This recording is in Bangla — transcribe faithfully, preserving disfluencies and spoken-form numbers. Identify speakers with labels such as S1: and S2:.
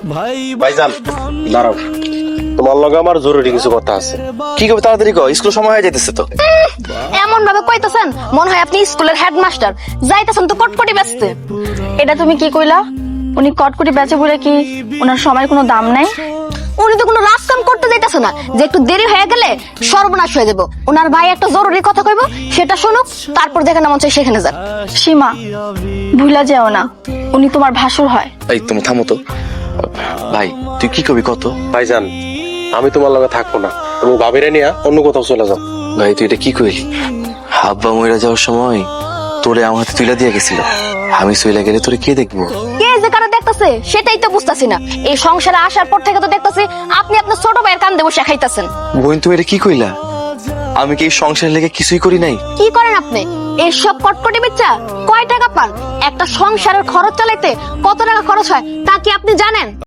S1: ভাইজান দাঁড়াও, তোমার লগে আমার জরুরি কিছু কথা আছে।
S2: কি করবে তাড়াতাড়ি কর, স্কুল সময় হয়ে যাইতেছে তো।
S3: এমন ভাবে কইতাছেন মনে হয় আপনি স্কুলের হেডমাস্টার, যাইতাছেন তো কটকটি বেচতে। এটা তুমি কি কইলা? উনি কটকটি বেচে বলে কি ওনার সময় কোনো দাম নাই? উনি তো কোনো রাজ কাম করতে যাইতেছে না যে একটু দেরি হয়ে গেলে সর্বনাশ হয়ে যাব। ওনার ভাই একটা জরুরি কথা কইব, সেটা শুনুক, তারপর যেখানে মন চায় সেখানে যান। সীমা, ভুলা যেও না, উনি তোমার ভাসুর হয়।
S2: এই তুমি থামো তো ভাই, তুই কি করবি কত?
S1: ভাইজান আমি তোমার লগে থাকবো না, তুমি ভাবিরে নিয়ে অন্য কোথাও চলে যাও।
S2: ভাই তুই এটা কি কইলি? হাব্বা মইরা যাওয়ার সময় তোরে আমার হাতে তুইলা দিয়ে গেছিল, আমি চইলা গেলে তোরে কে দেখবো?
S3: কে যে কারা দেখতেছে সেটাই তো বুঝতাছি না। এই সংসারে আসার পর থেকে তো দেখতেছি আপনি আপনার ছোট ভাইয়ের কান দেবো শেখাইতেছেন।
S2: বোন তুমি এটা কি কইলা? আমি কি এই সংসারের লেগে কিছুই করি নাই?
S3: কি করেন আপনি? এইসব কটকটি বেচা কয় টাকা পান? একটা সংসারের খরচ চালাইতে কত টাকা খরচ হয় তা কি আপনি জানেন?